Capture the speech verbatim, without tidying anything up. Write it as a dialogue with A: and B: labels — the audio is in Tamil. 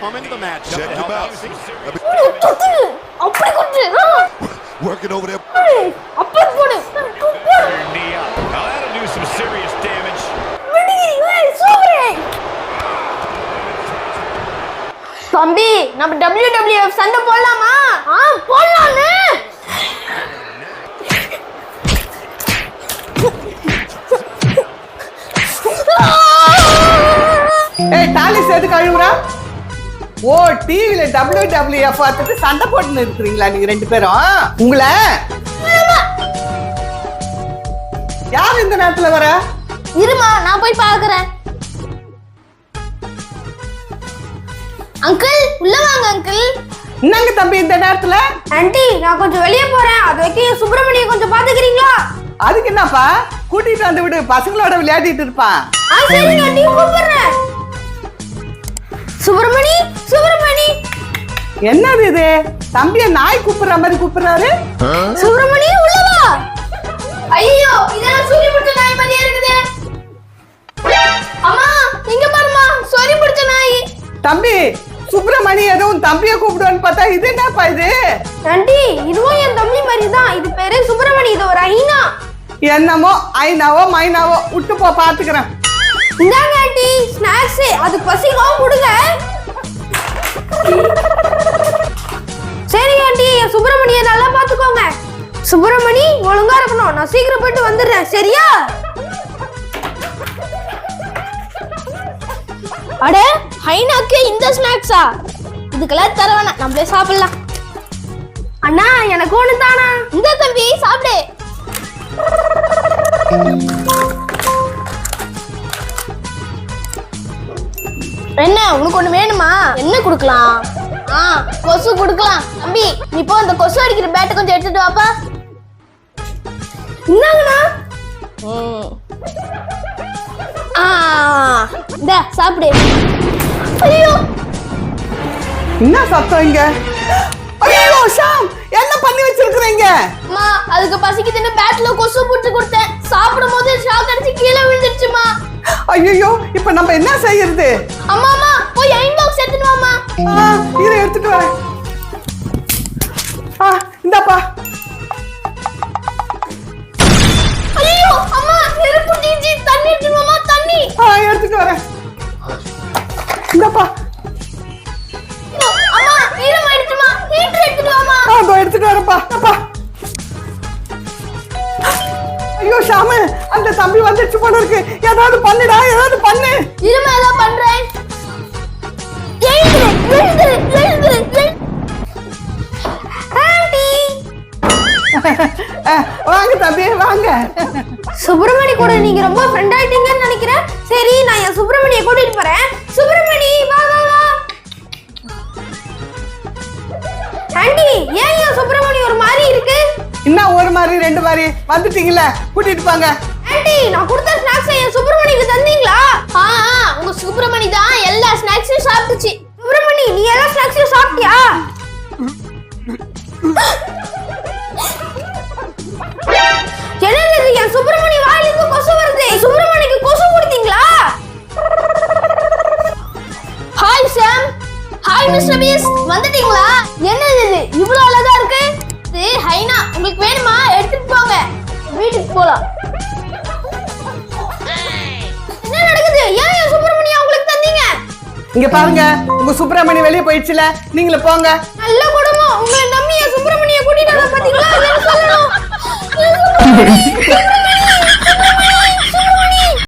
A: come into the match.
B: Check him out. Working over there.
A: Knee up. Now that'll do some serious damage.
C: தம்பி நம்ம W W F சண்டை போடலாமா? ஆ போடலாம்னு.
D: ஏய் டாலிஸ் எதுக்கு அழுவுறா? ஓ டிவில W W F பார்த்துட்டு சண்டை போட்டுன்னு இருக்கிறீங்களா நீங்க ரெண்டு பேரும்? உங்களை யார் இந்த நேரத்துல வர?
C: இருமா நான் போய் பார்க்கறேன். அங்கிள் உள்ள வாங்க அங்கிள்.
D: என்னங்க தம்பி இந்த நேரத்துல?
C: ஆண்டி நான் கொஞ்சம் வெளியே போறேன். அது வரைக்கும் சுப்பிரமணியை கொஞ்சம் பாத்துக்கிறீங்களா?
D: அதுக்கு என்னப்பா கூட்டிட்டு வந்து விடு, பசங்களோட விளையாடிட்டு இருப்பான்.
C: ஆ சரிங்க ஆண்டி கூப்பிடுறேன். சுப்பிரமணி சுப்பிரமணி.
D: என்னது இது? தம்பிய நாய் கூப்பிடுற மாதிரி கூப்பிடுறாரு.
C: சுப்பிரமணி உள்ள வா. ஐயோ இதெல்லாம் சொல்லி பிடிச்ச நாய் மாதிரியே இருக்குது. அம்மா இங்க பாருமா சொல்லி பிடிச்ச நாய்.
D: தம்பி சுப்பிரமணி எதுவும் தம்பிய கூப்பிடுவான்னு பார்த்தா இது என்னப்பா இது?
C: ஆண்டி இதுவும் என் தம்பி மாதிரி தான். இது பேரு சுப்பிரமணி. இது ஒரு ஐனா.
D: என்னமோ ஐனாவோ மைனாவோ விட்டு போ பாத்துக்கிறேன்.
C: இந்தாங்க ஆண்டி ஸ்நாக்ஸ். அது பசிக்கும் கொடுங்க. சரி ஆண்டி சுப்பிரமணியை நல்லா பாத்துக்கோங்க. சுப்பிரமணி ஒழுங்கா இருக்கணும். நான் சீக்கிரம் போயிட்டு வந்துடுறேன் சரியா? அட ஹைனாக்கு இந்த ஸ்நாக்ஸா? இதுக்கெல்லாம் தர வேணாம், நம்மளே சாப்பிடலாம். அண்ணா எனக்கு ஒண்ணு தானா? இந்த தம்பி சாப்பிடு. என்ன உனக்கு ஒண்ணு வேணுமா? என்ன கொடுக்கலாம்? ஆ கொசு கொடுக்கலாம். தம்பி நீ போ அந்த கொசு அடிக்கிற பேட்டை கொஞ்சம் எடுத்துட்டு வாப்பா. என்னங்கண்ணா? ஆ இந்த சாப்பிடு. ஐயோ
D: என்ன சத்தம் இங்க? ஐயோ ஷாம் என்ன பண்ணி வச்சிருக்கீங்க?
C: அம்மா அதுக்கு பசிக்குதுன்னு பேட்ல கொசு புடிச்சு கொடுத்தேன். சாப்பிடும்போது ஷாக் அடிச்சு கீழே விழுந்துருச்சுமா.
D: ஐயோ இப்போ நம்ம என்ன செய்யறது?
C: அம்மா அம்மா போய் அயன் பாக்ஸ் எடுத்துட்டு வாமா.
D: ஆ இரு எடுத்துட்டு வரேன். ஆ இந்தாப்பா.
C: ஐயோ அம்மா நெருப்பு தீஞ்சி தண்ணி எடுத்துட்டு வாமா தண்ணி.
D: ஆ எடுத்துட்டு வரேன். இந்தாப்பா.
C: அம்மா ஈரம் ஆயிடுச்சுமா. ஹீட்டர் எடுத்துட்டு வாமா.
D: ஆ இதோ எடுத்துட்டு வரேன்ப்பா. அப்பா ஐயோ ஷாமு அந்த தம்பி வந்துச்சு போல இருக்கு. ஏதாவது பண்ணுடா, ஏதாவது பண்ணு.
C: இருமா ஏதோ பண்றேன். எழுது எழுது எழுது. ஆண்டி
D: வாங்க தம்பி வாங்க.
C: சுப்பிரமணி கூட நீங்க ரொம்ப ஃப்ரெண்ட் ஆயிட்டீங்கன்னு நினைக்கிறேன். சரி நான் என் சுப்பிரமணியை கூட்டிட்டு போறேன். சுப்பிரமணி வா வா வா. ஆண்டி ஏன் என் சுப்பிரமணி ஒரு மாதிரி இருக்கு?
D: இன்னும் ஒரு மாதிரி ரெண்டு மாதிரி வந்துட்டீங்கல்ல, கூட்டிட்டு போங்க.
C: ஆண்டி நான் கொடுத்த ஸ்நாக்ஸ் என் சுப்பிரமணிக்கு தந்தீங்களா? ஆ உங்க சுப்பிரமணி தான் எல்லா ஸ்நாக்ஸையும் சாப்பிட்டுச்சு. சுப்பிரமணி நீ எல்லா ஸ்நாக்ஸையும் சாப்பிட்டியா? என்னது என் சுப்பிரமணி வாயில இருந்து கொசு வருது. சுப்பிரமணிக்கு கொசு கொடுத்தீங்களா? Hi Sam. ஹாய் மிஸ்டர் பீஸ் வந்துட்டீங்களா? என்னது இது இவ்வளவு அழகா இருக்கு? இது ஹைனா. உங்களுக்கு வேணுமா? எடுத்துட்டு போங்க. வீட்டுக்கு போலாம். என்ன நடக்குது? ஏன் என் சுப்பிரமணியை உங்களுக்கு தந்தீங்க?
D: இங்க பாருங்க உங்க சுப்பிரமணி வெளியே போயிடுச்சுல, நீங்களே போங்க.
C: நல்ல குடும்பம். உங்களை நம்பி என் சுப்பிரமணியை கூட்டிட்டு வர பாத்தீங்களா? என்ன சொல்லணும்?